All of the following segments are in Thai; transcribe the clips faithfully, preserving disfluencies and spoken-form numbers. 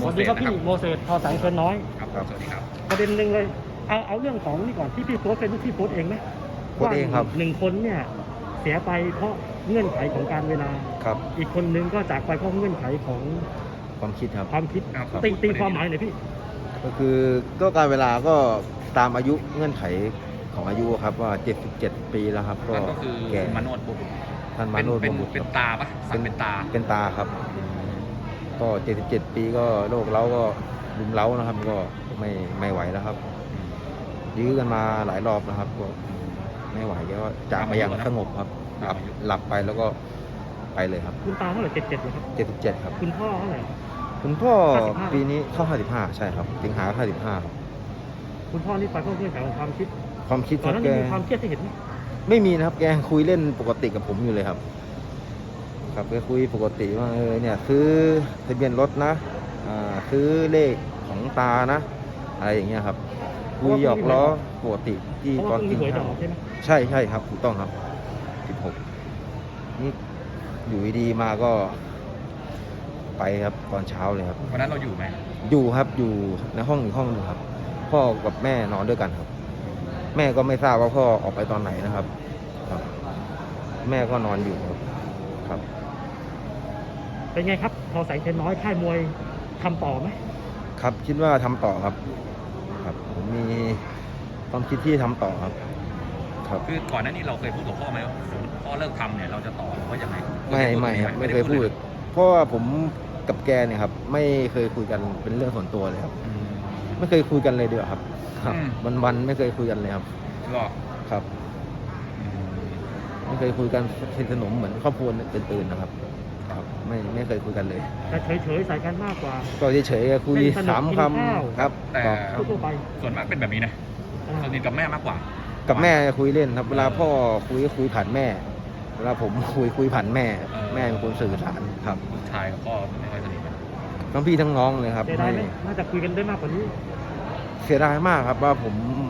วัสดีครับพี่โมเสสทอแสงเชิญน้อยครับสวัสดีครับประเด็นหนึ่งเลยเอาเอาเรื่องของนี่ก่อนที่พี่โพสต์เป็นที่โพสต์เองไหมโพสต์เองครับว่าหนึ่งคนเนี่ยเสียไปเพราะเงื่อนไขของการเวลาครับอีกคนนึงก็จากไปเพราะเงื่อนไขของความคิดครับความคิดครับตีตีความหมายหน่อยพี่ก็คือก็การเวลาก็ตามอายุเงื่อนไขของอายุครับว่าเจ็ดสิบเจ็ดปีแล้วครับ ก็นั่นก็คือแก่คุณมาโนดบุตรท่านมาเป็นโนดเป็นบุตรเป็นครับตาปะสักเป็นตาเป็นตาครับ ก็เจ็ดสิบเจ็ดปีก็โรคเล้าก็รุมเล้านะครับ ก็ไม่ไม่ไหวแล้วครับยื้อกันมาหลายรอบนะครับ ก็ไม่ไหวก็จากไปอย่างสงบครับหลับหลับไปแล้วก็ไปเลยครับคุณตาเท่าไหร่เจ็ดเจ็ดเหรอครับเจ็ดสิบเจ็ดครับคุณพ่อเท่าไหร่คุณพ่อห้าสิบห้าปีนี้เข้าห้าสิบห้าใช่ครับสิงหาห้าสิบห้าครับคุณพ่อนี่ไปเพราะเงื่อนไขของความคิดความคิดตคอนรับนั้นแกมีความเครียดที่เห็นไหมไม่มีนะครับแกคุยเล่นปกติกับผมอยู่เลยครับ ครับแกคุยปกติว่าเออเนี่ยซื้อทะเบียนรถนะอ่าซื้อเลขของตานะอะไรอย่างเงี้ยครับคุยหยอกล้อปกติที่เพราะตอว่าน เพิ่งมีกินหวยจะข้าอวอกใช่ไหมใช่ใช่ครับถูกต้องครับสิบหกนี่อยู่ดีๆมาก็ไปครับตอนเช้าเลยครับวันนั้นเราอยู่ไหมอยู่ครับอยู่ในห้องอีกห้องหนึ่งครับ พ่อกับแม่นอนด้วยกันครับ แม่ก็ไม่ทราบว่าพ่อออกไปตอนไหนนะครับ ครับ แม่ก็นอนอยู่ครับครับเป็นไงครับทอแสงเชิญน้อยค่ายมวยทำต่อไหมครับคิดว่าทำต่อครับ ครับ ผมมีความคิดที่ทำต่อครับ ครับคือก่อนหน้านี้เราเคยพูดกับพ่อไหมว่าสมมติพ่อเลิกทำเนี่ยเราจะต่อหรือว่ายังไงไม่ไม่ครับไม่เคยพูด เพราะว่าผมกับแกเนี่ยครับ ไม่เคยคุยกันเป็นเรื่องส่วนตัวเลยครับอืมไม่เคยคุยกันเลยเดียวครับ ครับอืมวันวันๆไม่เคยคุยกันเลยครับหรอครับอืมไม่เคยคุยกันสนิทสนมเหมือนครอบครัวอื่นๆนะครับ ครับ ไม่ไม่เคยคุยกันเลยแต่เฉยๆใส่กันมากกว่าก็เฉยๆคุยเป็นสนุกสามกินคข้าวำครับแต่ก็ทั่วๆไปส่วนมากเป็นแบบนี้นะอ่าสนิทกับแม่มากกว่ากับแม่คุยเล่นครับ เวลาพ่อคุยก็คุยผ่านแม่ เวลาผมคุยคุยผ่านแม่ แม่เป็นคนสื่อสารครับลูกชายกับพ่อไม่ค่อยสนิทกันทั้งพี่ทั้งน้องเลยครับเสียดายไหมไม่น่าจะคุยกันได้มากกว่านี้เสียดายมากครับว่าผม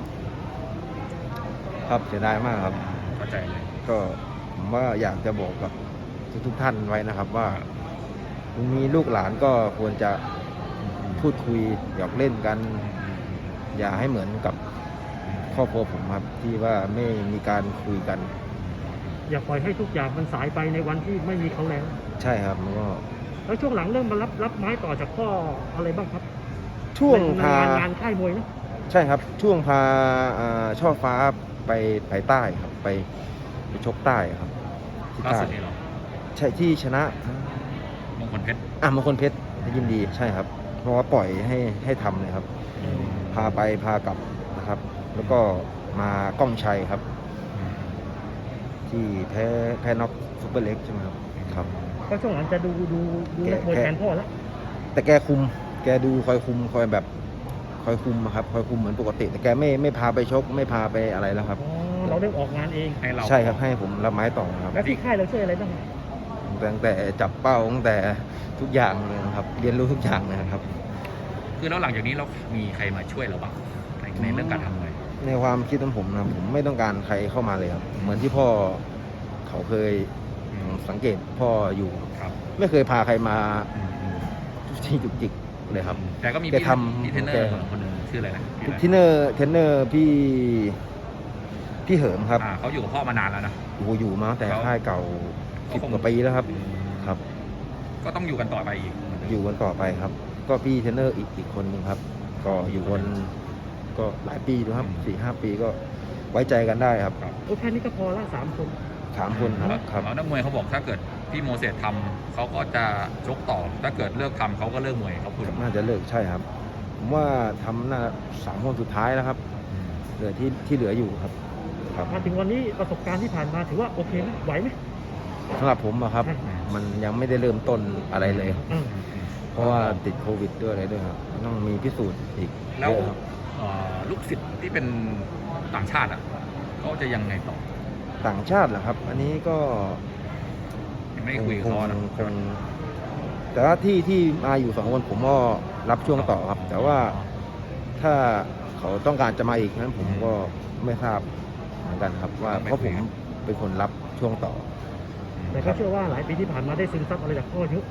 ครับเสียดายมากครับเข้าใจเลยก็ผมว่าอยากจะบอกกับทุกๆท่านไว้นะครับ ว่าคุณมีลูกหลานก็ควรจะพูดคุยหยอกเล่นกัน อย่าให้เหมือนกับครอบครัวผมครับ ที่ว่าไม่มีการคุยกันอย่าปล่อยให้ทุกอย่างมันสายไปในวันที่ไม่มีเขาแล้วใช่ครับมันก็แล้วช่วงหลังเริ่มมารับรับไม้ต่อจากพ่ออะไรบ้างครับช่วงในพางานงานค่ายมวยนะใช่ครับ ช่วงพาอ่าช่อฟ้าไปไปใต้ครับ ไปไปชกใต้ครับที่ล่าใต้สุดนี่เหรอใช่ที่ชนะมงคลเพชรอ่ะมงคลเพชรยินดีใช่ครับ เพราะว่าปล่อยให้ให้ทำเลยครับ พาไปพากลับนะครับ แล้วก็มากล้องชัยครับ ที่แพ้แพ้น็อกซุปเปอร์เล็กใช่ไหมครับครับก็ช่วงหลังจะดูดูดูนักมวยแทนพ่อแล้วแต่แกคุม แกดูคอยคุมคอยแบบคอยคุมอะครับคอยคุมเหมือนปกติ แต่แกไม่ไม่พาไปชก ไม่พาไปอะไรแล้วครับอ๋อเราได้ออกงานเองให้เราใช่ครับให้ผมรับไม้ต่อครับแล้วที่ค่ายเราช่วยอะไรบ้างตั้งแต่จับเป้าตั้งแต่ทุกอย่างเลยนะครับ เรียนรู้ทุกอย่างเลยนะครับคือแล้วหลังจากนี้เรามีใครมาช่วยเราบ้างในในเรื่องการทำมวยในความคิดของผมนะผมไม่ต้องการใครเข้ามาเลยครับ เหมือนที่พ่อเขาเคยสังเกตพ่ออยู่ครับไม่เคยพาใครมาทุกที่จุกจิกเลยครับแต่ก็มีแกพี่ทำพี่เทรนเนอแกร์คนหนึงชื่ออะไรนะชื่ออะไรเทรนเนอร์เทรนเนอร์พี่พี่เหิมครับอ่าเขาอยู่กับพ่อมานานแล้วนะโอ้โหอยู่มาตั้งแต่เขาค่ายเก่าเขาสิบคงกว่าปีแล้วครับ ครับก็ต้องอยู่กันต่อไปอีกอยู่กันต่อไปครับ ก็พี่เทรนเนอร์อีกอีกคนหนึ่งครับ ก็อยู่กันก็หลายปีดูครับสี่ห้าปีก็ไว้ใจกันได้ครับโอ้แค่นี้ก็พอละสามคนสามคนครับแล้วครับแล้วนักมวยเขาบอกถ้าเกิดพี่โมเสสทำเขาก็จะชกต่อ ถ้าเกิดเลิกทำเขาก็เลิกมวยเขาพูดน่าจะเลิกใช่ครับ ผมว่าทำน่าสามคนสุดท้ายแล้วครับ เหลือที่ที่เหลืออยู่ครับ ครับมาถึงวันนี้ประสบการณ์ที่ผ่านมาถือว่าโอเคไหมไหวไหมสำหรับผมอะครับใช่มันยังไม่ได้เริ่มต้นอะไรเลยครับอืมเพราะว่าติดโควิดด้วยอะไรด้วยครับต้องมีพิสูจน์อีกแล้วเยอะครับเอ่อลูกศิษย์ที่เป็นต่างชาติอ่ะเขาจะยังไงต่อต่างชาติเหรอครับ อันนี้ก็ยังไม่ได้คุยกับคงเขานะคงแต่ว่าที่ที่มาอยู่สองคนผมก็รับช่วงต่อครับ แต่ว่าถ้าเขาต้องการจะมาอีกนั้นผมก็ไม่ทราบเหมือนกันครับ ว่าเพราะผมเป็นคนรับช่วงต่อแต่ก็เชื่อว่าหลายปีที่ผ่านมาได้ซึมซับอะไรจากพ่อเยอะ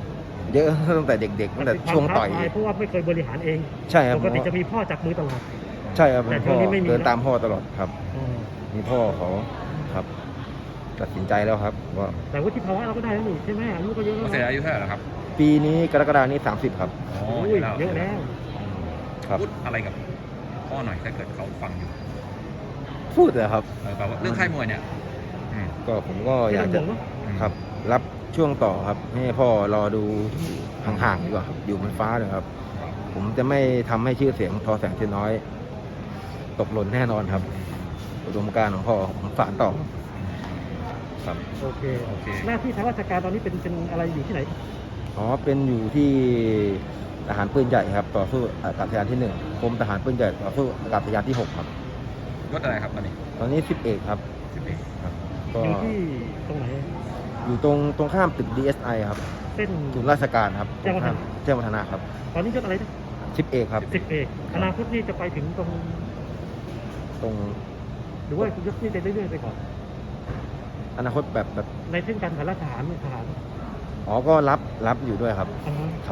เยอะ ตั้งแต่เด็กๆตั้งแต่ช่วงต่อยมันเป็นความท้าทายเพราะว่าไม่เคยบริหารเองใช่ครับปกติจะมีพ่อจับมือตลอดใช่ครับแต่พ่อช่วงนี้ไม่มีเดินแล้วตามพ่อตลอดครับอืมมีพ่อเขาครับ ตัดสินใจแล้วครับว่าแต่วุฒิภาวะเราก็ได้แล้วนี่ใช่ไหมอายุก็เยอะโมแล้วเสสนะอายุเท่าไหร่แล้วครับปีนี้กรกฎานี้สามสิบครับอ๋ออุ้ยเยอะแล้วครับพูดอะไรกับพ่อหน่อยถ้าเกิดเขาฟังอยู่พูดเลยครับเออแบบว่าเรื่องค่ายมวยเนี่ยอืมก็ผมก็อยากไม่จะต้องห่วงเนอะครับ รับช่วงต่อครับให้พ่อรอดูห่างๆดีกว่าครับอยู่บนฟ้าเลยครับ ผมจะไม่ทำให้ชื่อเสียงทอแสงเทียนน้อย ตกหล่นแน่นอนครับ อุดมการณ์ของพ่อผมฝานต่อครับโอเคโอเคหน้าที่ทางราชการตอนนี้เป็นเป็นอะไรอยู่ที่ไหนอ๋อเป็นอยู่ที่ทหารปืนใหญ่ครับ ต่อสู้อากาศยานที่หนึ่งกรมทหารปืนใหญ่ต่อสู้อากาศยานที่หกครับยศอะไรครับตอนนี้ตอนนี้สิบเอกครับสิบเอกครับ ก็อยู่ที่ตรงไหนอยู่ตรงตรงข้ามตึก ดี เอส ไอ ครับเส้นศูนย์ราชการครับแจ้งวัฒนะแจ้งวัฒนะครับตอนนี้ยศอะไรนะสิบเอกครับสิบเอกอนาคตนี่จะไปถึงตรงตรงหรือว่ายศนี่จะเรื่อยๆไปก่อนอนาคตแบบแบบในเส้นการฐานราชทหารเนี่ยทหารอ๋อก็รับรับอยู่ด้วยครับอ่าฮะครับ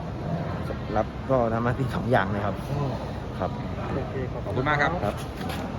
รับก็ทำหน้าที่สองอย่างเลยครับอ๋อครับโอเคขอบขอบคุณมากครับครับ